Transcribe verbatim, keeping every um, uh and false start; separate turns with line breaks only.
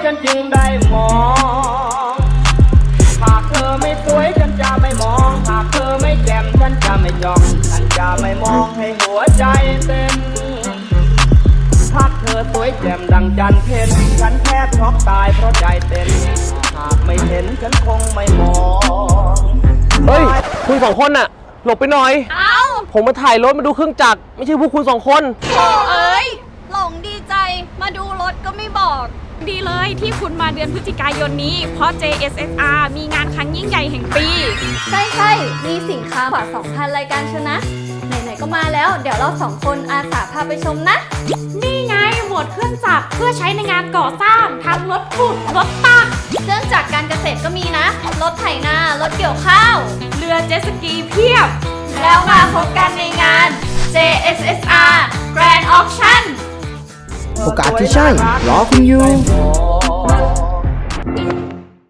ฉันจึงได้มองหากเธอไม่สวยฉันจะไม่มองหากเธอไม่แจ่มฉันจะไม่จ้องฉันจะไม่มองให้หัวใจเต้นหากเธอสวยแจ่มดังจันทร์เพ็ญฉันแทบช็อกตายเพราะใจเต้นหากไม่เห็นฉันคงไม่มอง
เฮ้ยคุณสองคนน่ะหลบไปหน่อย
เอ้า
ผมมาถ่ายรถมาดูเครื่องจักรไม่ใช่พวกคุณสองคน
โถ่เอ้ยหลงดีใจมาดูรถก็ไม่บอก
ดีเลยที่คุณมาเดือนพฤศจิกายนนี้ เพราะ เจ เอส เอส อาร์ มีงานครั้งยิ่งใหญ่แห่งปี
ใช่ใช่มีสินค้ากว่า สองพัน รายการชนะ ไหนๆก็มาแล้ว เดี๋ยวเราสองคนอาสาพาไปชมนะ
นี่ไงหมวดเครื่องจักรเพื่อใช้ในงานก่อสร้างทั้งรถขุดรถตัก
เครื่องจักรการเกษตรก็มีนะ รถไถนา รถเกี่ยวข้าว
เรือเจ็ตสกีเพียบ
แล้วมาพบกันในงาน เจ เอส เอส อาร์ Grand Auction
โอกาสที่ใช่รอคุณอยู่